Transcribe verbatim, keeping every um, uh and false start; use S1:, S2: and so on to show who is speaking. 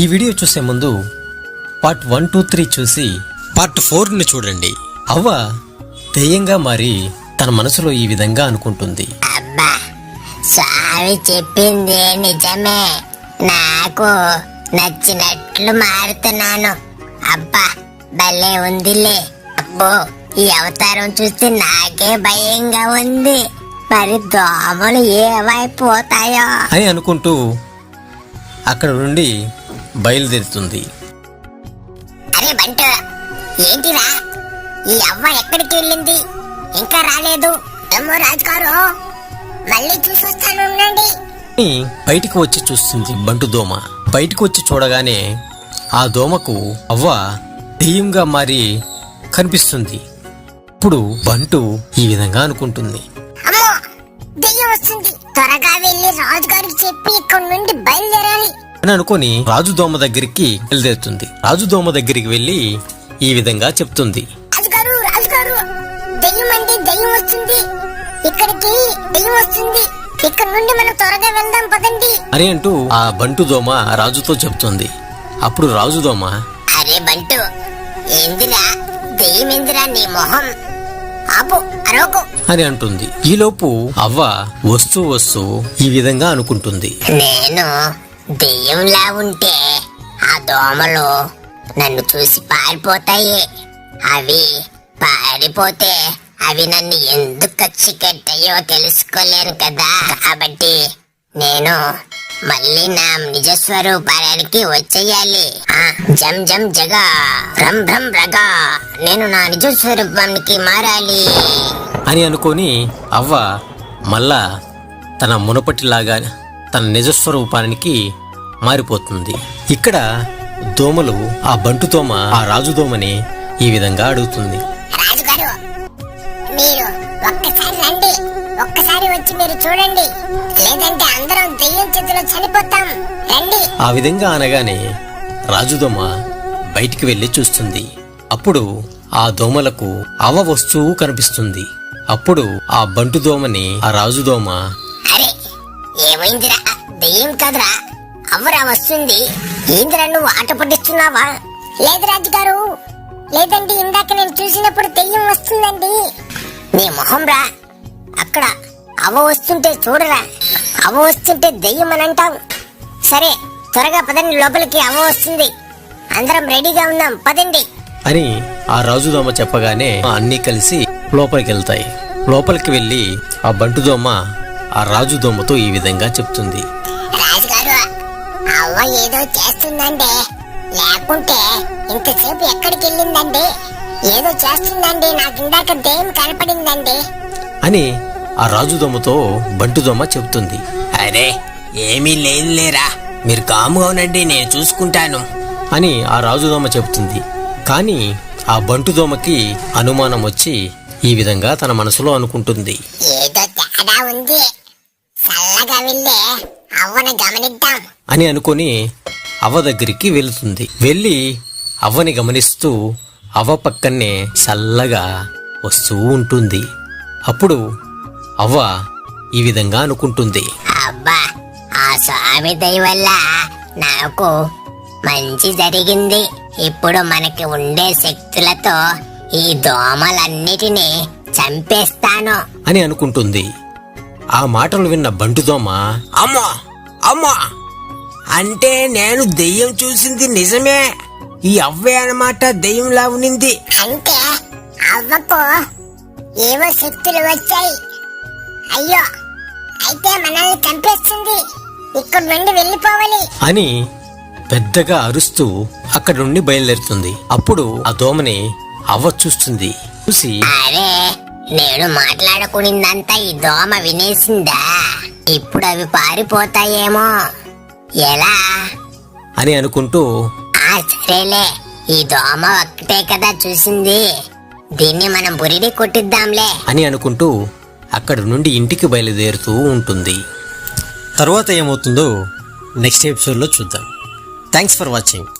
S1: ఈ వీడియో చూసే ముందు పార్ట్ వన్ టూ త్రీ చూసి పార్ట్ ఫోర్ ని చూడండి. అవ్వ దెయ్యంగా మారి తన మనసులో ఈ విధంగా అనుకుంటుంది.
S2: అబ్బా, స్వామి చెప్పింది నిజమే. నాకు నచ్చినట్లు మారుతున్నాను. అబ్బా, భలే ఉందిలే. అబ్బో, ఈ అవతారం చూస్తే నాకే భయంగా ఉంది. మరి దోమలు ఏమైపోతాయో
S1: అని అనుకుంటూ అక్కడ నుండి బయలుదేరుతుంది.
S2: అరే బంటు, ఏంటిరా ఈ అవ్వ ఎక్కడికి వెళ్ళింది? ఇంకా రాలేదు. ఏమో రాజుగారు, మళ్ళీ చూసొస్తాను ఉండండి.
S1: బయటికి వచ్చి చూస్తుంది బంటు దోమ. బయటికి వచ్చి చూడగానే ఆ దోమకు అవ్వ దెయ్యంగా మారి కనిపిస్తుంది. ఇప్పుడు బంటు ఈ విధంగా అనుకుంటుంది.
S2: అమ్మో, దెయ్యం వస్తుంది. త్వరగా వెళ్ళి రాజుగారికి చెప్పి ఇక్కడ నుండి బయలుదేరాలి
S1: అని అనుకుని రాజు దోమ దగ్గరికి బయలుదేరుతుంది. రాజు దోమ దగ్గరికి వెళ్లి ఈ విధంగా చెప్తుంది.
S2: రాజుగారు, రాజుగారు, దెయ్యం అంటే దెయ్యం వస్తుంది. ఇక్కడికి దెయ్యం వస్తుంది. ఇక్కడ నుండి మనం త్వరగా వెళ్దాం పదండి
S1: అని అంటూ ఆ బంటు దోమ రాజుతో చెప్తుంది. అప్పుడు రాజు దోమ,
S2: అరే బంటు, ఏందిరా దెయ్యం? ఏందిరా నీ మొహం? ఆపు, అరవకు
S1: అని అంటుంది. ఈలోపు అవ్వ వస్తూ వస్తూ ఈ విధంగా అనుకుంటుంది.
S2: నేను దెయ్యంలా ఉంటే ఆ దోమలు నన్ను చూసి పారిపోతాయి. అవి పారిపోతే అవి నన్ను ఎందుకు కచ్చి కట్టాయో తెలుసుకోలేను కదా. కాబట్టి నేను మళ్ళీ నా నిజ స్వరూపానికి వచ్చేయాలి. ఆ జం జం జగా భ్రం భ్రం రగా, నేను నా నిజ స్వరూపానికి మారాలి
S1: అని అనుకొని అవ్వ మళ్ళా తన మునపటిలాగా తన నిజస్వరూపానికి మారిపోతుంది. ఇక్కడ దోమలు ఆ బంటు దోమ ఆ రాజు దోమని ఈ విధంగా అడుగుతుంది.
S2: రాజుగారు, మీరు ఒక్కసారి రండి. ఒక్కసారి వచ్చి మీరు చూడండి, లేదంటే అందరం దెయ్యం చేతిలో చనిపోతాం. రండి.
S1: ఆ విధంగా అనగానే రాజుదోమ బయటికి వెళ్లి చూస్తుంది. అప్పుడు ఆ దోమలకు అవ్వ వస్తువు కనిపిస్తుంది. అప్పుడు ఆ బంటు దోమని ఆ రాజుదోమ,
S2: అరే ఏమైందిరా? దెయ్యం కదరా, అవ్వరా వస్తుంది. ఏందిరా నువ్వు ఆట పట్టిస్తున్నావా? లేదు రాజుగారు, లేదండి, ఇందాక నేను చూసినప్పుడు దెయ్యం వస్తుందండి. నీ మొహం రా. అక్కడ అవ్వ వస్తుంటే చూడరా. అవ్వ వస్తుంటే దెయ్యం అని అంటావు. సరే, త్వరగా పదండి లోపలికి, అవ్వ వస్తుంది. అందరం రెడీగా ఉందాం, పదండి
S1: అని ఆ రాజుదోమ చెప్పగానే అన్ని కలిసి లోపలికి వెళ్తాయి. లోపలికి వెళ్లి ఆ బంటుదోమ ఆ రాజుదోమతో ఈ విధంగా చెప్తుంది.
S2: రాజుగారు, అవ్వ ఏదో చేస్తుందండి. లేకుంటే ఇంతసేపు ఎక్కడికి వెళ్ళిందండి? ఏదో చేస్తుందండి. నాకు ఇందాక దెయ్యం కనపడిందండి
S1: అని ఆ రాజుదోమతో బంటుదోమ చెప్తుంది.
S3: అరే ఏమీ లేదు లేరా, మీరు కాముగా ఉండండి, నేను చూసుకుంటాను
S1: అని ఆ రాజుదోమ చెప్తుంది. కానీ ఆ బంటుదోమకి అనుమానం వచ్చి ఈ విధంగా తన మనసులో అనుకుంటుంది.
S2: ఏదో తేడా ఉంది. చల్లగా వెళ్ళే అవ్వను గమనిద్దాం
S1: అని అనుకొని అవ్వ దగ్గరికి వెళుతుంది. వెళ్ళి అవ్వని గమనిస్తూ అవ్వ పక్కనే చల్లగా వస్తూ ఉంటుంది. అప్పుడు అవ్వ ఈ విధంగా అనుకుంటుంది.
S2: అబ్బా, ఆ స్వామి దయ వల్ల నాకు మంచి జరిగింది. ఇప్పుడు మనకి ఉండే శక్తులతో ఈ దోమలన్నిటినీ చంపేస్తాను
S1: అని అనుకుంటుంది. ఆ మాటలు విన్న బంటుదోమ,
S3: అమ్మో అమ్మో, అంటే నేను దెయ్యం చూసింది నిజమే. ఈ అవ్వే అన్నమాట దెయ్యంలా ఉనింది.
S2: అంటే అవ్వకు ఏవో శక్తులు వచ్చాయి. అయ్యో, అయితే మనల్ని చంపేస్తుంది. ఇక్కడ నుండి వెళ్ళిపోవాలి
S1: అని పెద్దగా అరుస్తూ అక్కడి నుండి బయలుదేరుతుంది. అప్పుడు ఆ దోమని అవ్వ చూస్తుంది. చూసి,
S2: అరే, నేను మాట్లాడుకునిందంతా ఈ దోమ వినేసిందా? ఇప్పుడు అవి పారిపోతాయేమో. ఎలా
S1: అని అనుకుంటూ,
S2: ఆ సరేలే, ఈ దోమ ఒక్కటే కదా చూసింది, దీన్ని మనం బురిడి కొట్టిద్దాంలే
S1: అని అనుకుంటూ అక్కడి నుండి ఇంటికి బయలుదేరుతూ ఉంటుంది. తర్వాత ఏమవుతుందో నెక్స్ట్ ఎపిసోడ్లో చూద్దాం. Thanks for watching.